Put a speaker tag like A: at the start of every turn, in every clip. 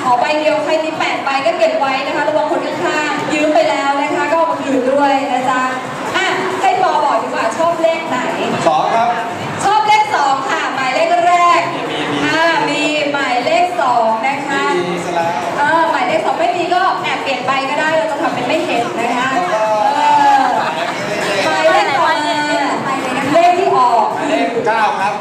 A: อใบเดียวใครมี8 ใบก็เก็บไว้นะคะระวังคนข้างๆยืมไปแล้วนะคะก็เอามาคืนด้วยนะจ๊ะให้ปอบอกดีกว่าชอบเลขไหน
B: 2ครับ
A: ชอบเลข2ค่ะหมายเลขแรกมีหมายเลข2นะคะหมายเลข2ไม่มีก็แอบเปลี่ยนใบก็ได้เราจะทำเป็นไม่เห็นนะคะหมายเลขต่อมาเลขที่ออก
B: เลข9ครับ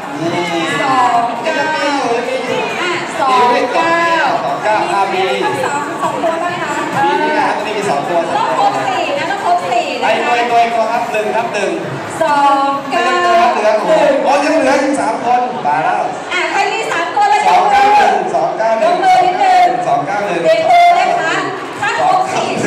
A: 29มี2 ตัวไหมคะ
B: มีนี่นะตัวนี้มี2 ตัว
A: ต้องครบ4นะต้องครบ4นะคะ
B: ตัวครับ1ครับ1
A: 2 9
B: 1อ๋อยังเหลืออีก3 คนตายแล้ว
A: ใครมี3 ตัวแล้ว
B: 291 291ยกมือนิดนึง291
A: เด็กโตนะคะถ้าครบ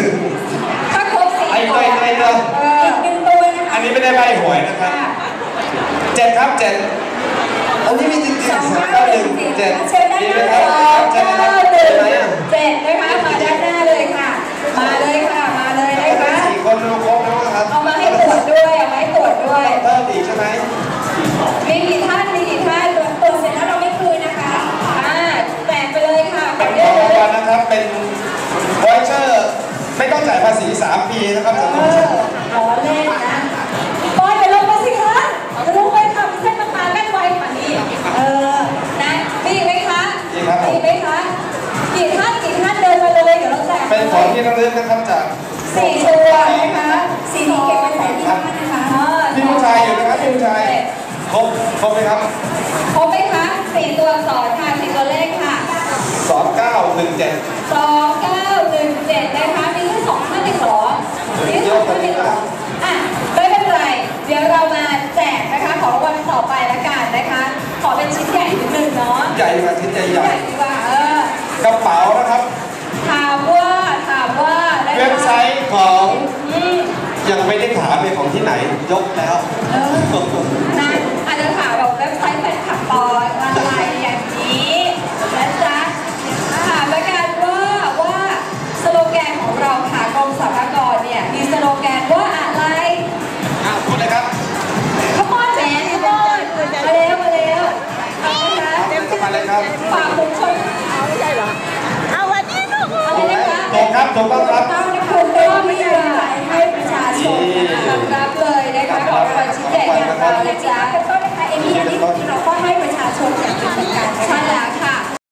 A: 4
B: ไอ้ตัว
A: อีก1 ตัวนะคะ
B: อันนี้ไม่ได้ใบหวยนะครับ7ครับ7อันนี้มีจริงๆ291 7
A: เชิญได้เลย7นะคะมาด้านหน้าเลยค่ะมาเลยนะคะ
B: 4 คนรู้ครบแล้วครับ
A: เอามาให้ตรวจด้วยเ
B: พิ่มอีกใช่ไหม
A: มีกี่ท่านตรวจเสร็จแล้วเราไม่คืนนะคะแจกไปเลยค่ะ
B: เป็นของรางวัลนะครับเป็นวอยเชอร์ไม่ต้องจ่ายภาษี3 ปีนะครับ
A: ขอเล่นนะปอยไปลงมาสิคะจะลงไปทำเส้นมาแม่นไวกว่านี้นะมีไหมคะมีไหมคะกี่ท่านเดินมาเลยเดี๋ยวเราแจก
B: เป็นของที่ระลึกนะครับจาก
A: 4 ตัวนะคะ4นี้เก็บไว้ใส่ที่บ้านนะคะ
B: พี่ผู้ชายอยู่นะครับพี่ผู้ชายครบไหมครับ
A: ครบไหมคะ4 ตัวอักษรค่ะ4 ตัวเลขค่ะ
B: 2917
A: นะคะมีแค่2 ท่านเองเหรอมีแค่2 ท่านเองเหรอไม่เป็นไรเดี๋ยวเรามาแจกนะคะของรางวัลต่อไปละกันนะคะขอเป็นชิ้นใหญ่นิดนึงเนาะ
B: ใหญ่กว่าชิ้นใหญ่
A: ดีกว่
B: ากระเป๋านะครับ
A: ถามว่า
B: เว็บไซต์ของยังไม่ได้ถามเลยของที่ไหนยกแล้ว
A: นั่นอาจจะถามแบบเว็บไซต์แฟนคลับปอยอะไรอย่างนี้นะจ๊ะถามละกันว่าสโลแกนของเราค่ะกรมสรรพากรเนี่ยมีสโลแกนว่าอะไร
B: พูดเลยครับ
A: ขมอนมาแล้วเอานะคะ
B: มาเลยครับ
A: ฝากคุณชน
C: ไม่ใช่เหรอเอาวันนี้ลูก
A: อะไรนะคะ
B: ตรงครับต้อง
A: รับคุณเต้นไม่ได้ให้ประชาชนรับเลยนะคะขอรางวัลชิ้นใหญ่ของเราเลยจ้า